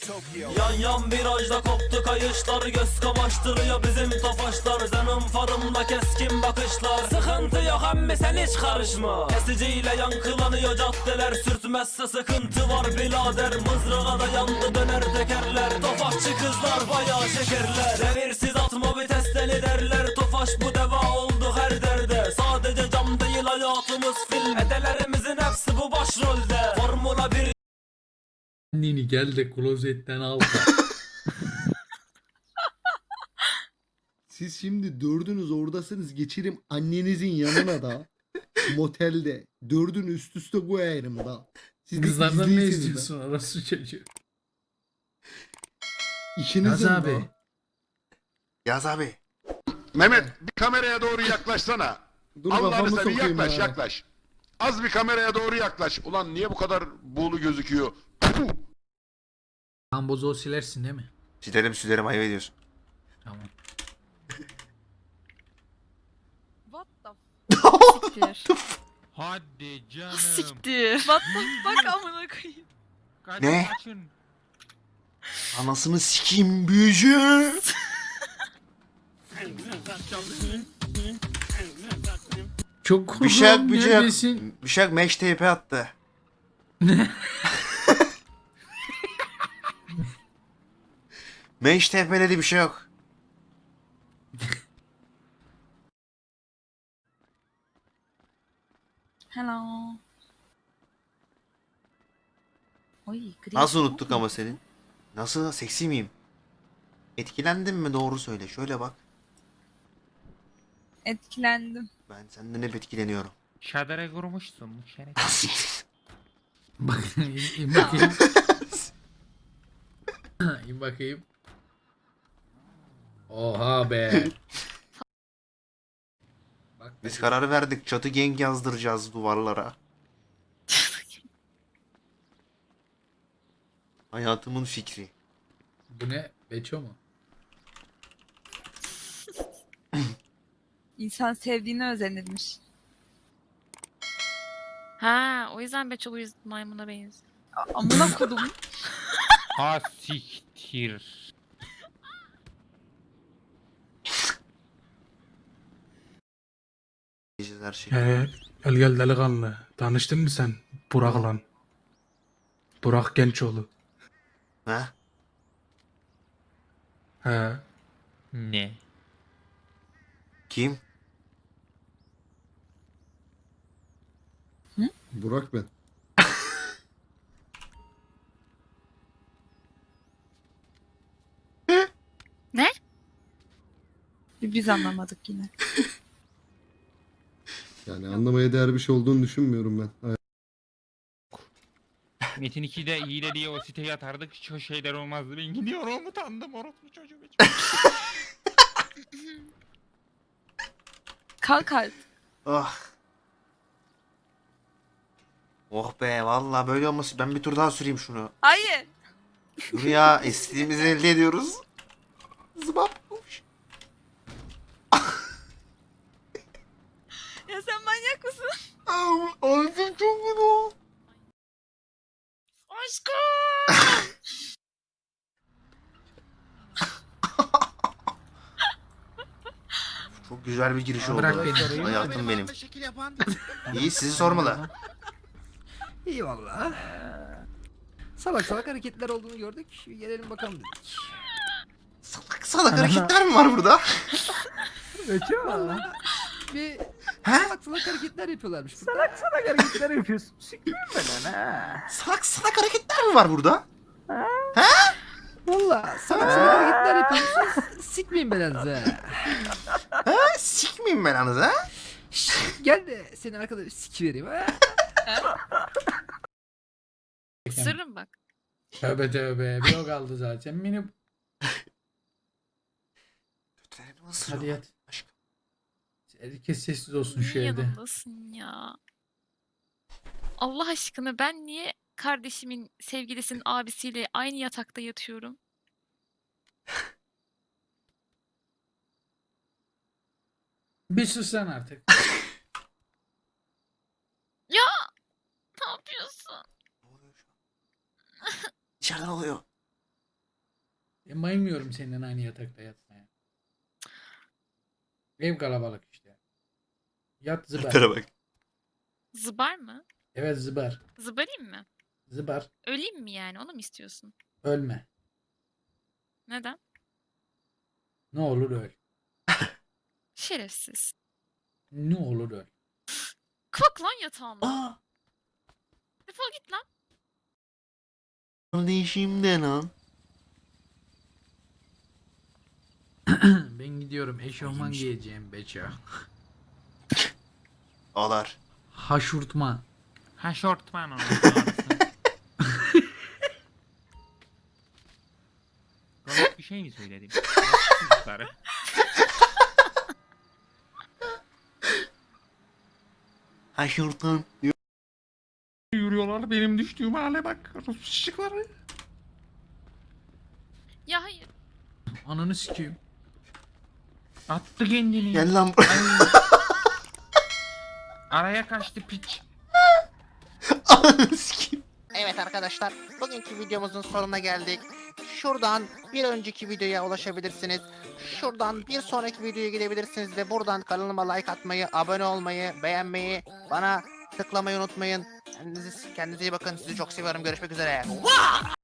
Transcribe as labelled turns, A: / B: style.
A: Yan yan virajda koptu kayışlar, göz kamaştırıyor bizim tofaşlar. Zenon farımda keskin bakışlar, sıkıntı yok emmi sen hiç karışma. Kesiciyle yankılanıyor caddeler, sürtmezse sıkıntı var birader. Mızrağa da yandı döner tekerler, tofaşçı kızlar bayağı şekerler. Devirsiz atma vitesleri derler, tofaş bu deva oldu her derde. Sadece cam değil hayatımız film, edelerimizin hepsi bu başrolde. Formula 1
B: Anneni gel de klozetten al.
C: Siz şimdi dördünüz oradasınız, geçirim annenizin yanına da motelde. Dördünü üst üste koyarım da. Siz de
B: Kızlardan ne
C: izleyirsiniz de.
B: istiyorsun orası çocuğu?
C: İşinizin
B: Yaz
C: de.
B: abi.
D: Yaz abi.
E: Mehmet bir kameraya doğru yaklaşsana.
C: Dur
E: Allah'ını
C: kafamı
E: seveyim
C: sokayım
E: yaklaş
C: ya.
E: yaklaş. Az bir kameraya doğru yaklaş. Ulan niye bu kadar buğulu gözüküyor? Puh!
B: Ambozu silersin değil mi?
D: Silerim ayıp ediyorsun.
B: Tamam.
F: What the Siktir.
G: Hadi canım.
F: Siktir. What the fuck amına koyayım.
G: Kaçın,
D: Ne?
G: kaçın.
D: Anasını sikeyim büyücü.
B: Çok korktum.
D: Bıçak Bıçak meş teype attı. Meş tepeledi bir şey yok.
F: Hello. Oy, gri.
D: Nasıl unuttuk ama senin? Nasıl seksi miyim? Etkilendin mi doğru söyle. Şöyle bak.
F: Etkilendim.
D: Ben senden hep etkileniyorum.
G: Şadere kurmuşsun şeref.
B: Bak, in bakayım. İn bakayım. Oha be. Bak,
D: Biz kararı verdik. Çatı gang yazdıracağız duvarlara. Hayatımın fikri.
B: bu ne? Beço mu?
F: İnsan sevdiğine özenirmiş.
H: Ha, o yüzden Beçolu'yu maymuna benziyor.
F: Amına kodum.
G: Ha siktir.
D: Diyeceğiz her şeyi.
I: Gel gel delikanlı. Tanıştın mı sen Burak'la? Burak Gençoğlu.
D: Ha?
I: He.
G: Ne?
D: Kim?
C: Burak ben.
F: Biz anlamadık yine.
C: Yani anlamaya değer bir şey olduğunu düşünmüyorum ben.
G: Metin 2'de hile diye o siteye atardık hiç o şeyler olmazdı. Ben gidiyorum utandım orospu çocuğu.
F: Kalk artık.
D: Oh. Oh be vallahi böyle olması. Ben bir tur daha süreyim şunu.
F: Hayır.
D: Dur ya istediğimizi elde ediyoruz. Zıbap.
F: Ya sen manyak mısın?
D: Ağzım çok kötü.
H: Aşkım!
D: Çok güzel bir giriş oldu.
B: Bırak beni.
D: Hayatım benim. İyi sizi sormalı.
J: İyi valla. Salak salak hareketler olduğunu gördük. Bir gelelim bakalım dedik.
D: Salak salak hareketler mi var burada?
J: Valla. Bir
D: He?
J: salak salak hareketler yapıyorlarmış burada.
K: Salak hareketler yapıyorsun. Sikmeyeyim ben ha.
D: Salak salak hareketler mi var burada?
J: Valla salak salak hareketler yapıyorsunuz. Sikmeyin belanızı ha.
D: Ha? Sikmeyeyim ben anız ha?
J: Şşş, gel de seni arkada bir sikivereyim ha.
H: Sırrım bak.
B: Tövbe tövbe. Bir o kaldı zaten. Beni...
D: Götürelim ısırıyor.
B: Hadi yat.
D: Aşkım.
B: Herkes sessiz olsun şu
H: Niye
B: evde.
H: yanımdasın ya? Allah aşkına ben niye kardeşimin sevgilisinin abisiyle aynı yatakta yatıyorum?
B: Bir sus sen artık.
H: Ya ne yapıyorsun?
D: Ne oluyor şu an? İçeriden oluyor.
B: Bayılmıyorum senin aynı yatakta yatmaya. Ev kalabalık işte. Yat zıbar.
D: Tara bak.
H: Zıbar mı?
B: Evet zıbar.
H: Zıbarayım mı?
B: Zıbar.
H: Öleyim mi yani? Onu mu istiyorsun?
B: Ölme.
H: Neden?
B: Ne olur öl.
H: Şerefsiz.
B: Ne olur öl.
H: Kalk lan yatağımdan.
D: Aa!
H: Defol git lan.
D: Kardeşim de lan.
B: Ben gidiyorum. Eşofman giyeceğim Beço.
D: Ağlar.
B: Haşurtman.
G: Ha şortman onun doğrusu. Komik bir şey mi söyledim? Çocukları.
D: Haşurtan.
G: Yürüyorlar benim düştüğüm hale bak. Rus şişikleri.
H: Ya hayır.
B: Ananı sikeyim.
G: Attı kendini.
D: Gel lan buraya.
G: Ay. Araya kaçtı piç.
D: Ananı sikeyim.
L: Evet arkadaşlar, bugünkü videomuzun sonuna geldik. Şuradan bir önceki videoya ulaşabilirsiniz. Şuradan bir sonraki videoya gidebilirsiniz ve buradan kanalıma like atmayı, abone olmayı, beğenmeyi, bana tıklamayı unutmayın. Kendinize iyi bakın. Sizi çok seviyorum. Görüşmek üzere.